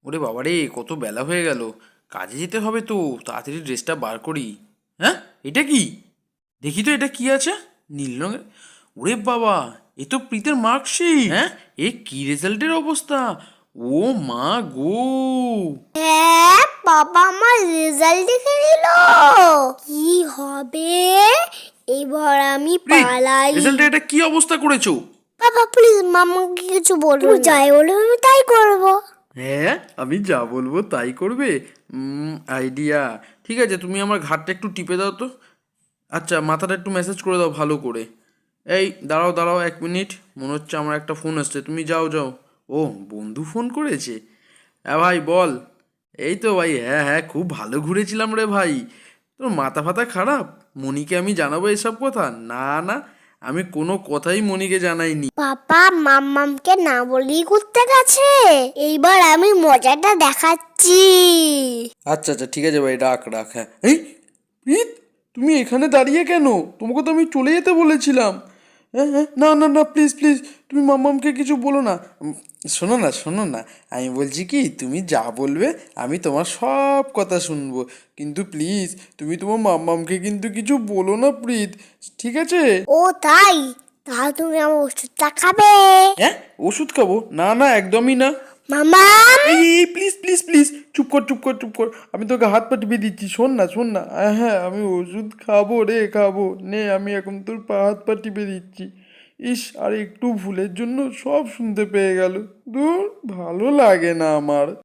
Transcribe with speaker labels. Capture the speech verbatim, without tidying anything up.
Speaker 1: ওরে বাবা রে, কত বেলা হয়ে গেল, কাজে যেতে হবে তো, তাড়াতাড়ি ড্রেসটা বার করি। হ্যাঁ, এটা কি? দেখি তো এটা কি আছে, নীল রঙের। ওরে বাবা, এ তো প্রীতের মার্কশিট। হ্যাঁ, এ কি রেজাল্টের অবস্থা! ও মা গো!
Speaker 2: হ্যাঁ, বাবা আমার রেজাল্ট দেখে নিল। কি হবে এবার? আমি
Speaker 1: প্রীত,
Speaker 2: পালাই।
Speaker 1: রেজাল্টে এটা কি অবস্থা করেছো?
Speaker 2: বাবা প্লিজ মামাকে কিছু বলবো, তুমি যাই বলবে আমি তাই করবো।
Speaker 1: হ্যাঁ, আমি যা বলবো তাই করবে। আইডিয়া। ঠিক আছে, তুমি আমার ঘাটটা একটু টিপে দাও তো। আচ্ছা, মাথাটা একটু ম্যাসাজ করে দাও ভালো করে। এই দাঁড়াও দাঁড়াও এক মিনিট, মনে হচ্ছে আমার একটা ফোন আসছে, তুমি যাও যাও। ও, বন্ধু ফোন করেছে। হ্যাঁ ভাই বল। এই তো ভাই, হ্যাঁ হ্যাঁ, খুব ভালো ঘুরেছিলাম রে ভাই। তোর মাথা ফাতা খারাপ? মনিকে আমি জানাবো এসব কথা? না না, আমি কোনো কথাই মনিকে জানাইনি।
Speaker 2: পাপা মাম্মামকে না বলেই ঘুরতে গেছে। এইবার আমি মজাটা দেখাচ্ছি।
Speaker 1: আচ্ছা আচ্ছা, ঠিক আছে ভাই, রাখ রাখ। হ্যাঁ, এই প্রীত, তুমি এখানে দাঁড়িয়ে কেন? তোমাকে তো আমি চলে যেতে বলেছিলাম। হ্যাঁ হ্যাঁ, না না না, প্লিজ প্লিজ, তুমি মাম্মামকে কিছু বলো না। উম, শোনো না শোনো না, আমি বলছি কি, তুমি যা বলবে আমি তোমার সব কথা শুনবো, কিন্তু প্লিজ তুমি তোমার মাম্মামকে কিন্তু কিছু বলো না প্রীত, ঠিক আছে?
Speaker 2: ও তাই? তাহলে তুমি আমার ওষুধটা খাবে।
Speaker 1: হ্যাঁ, ওষুধ খাবো? না না, একদমই না।
Speaker 2: মামাম,
Speaker 1: এই এই প্লিজ প্লিজ প্লিজ, চুপ কর চুপ কর চুপ কর, আমি তোকে হাত পা টিপে দিচ্ছি, শোন না শোন না। আহ, হ্যাঁ, আমি ওষুধ খাবো রে, খাবো নে, আমি এখন তোর পা হাত পা টিপে দিচ্ছি। ইস, আর একটু ভুলের জন্য সব শুনতে পেয়ে গেল। দূর, ভালো লাগে না আমার।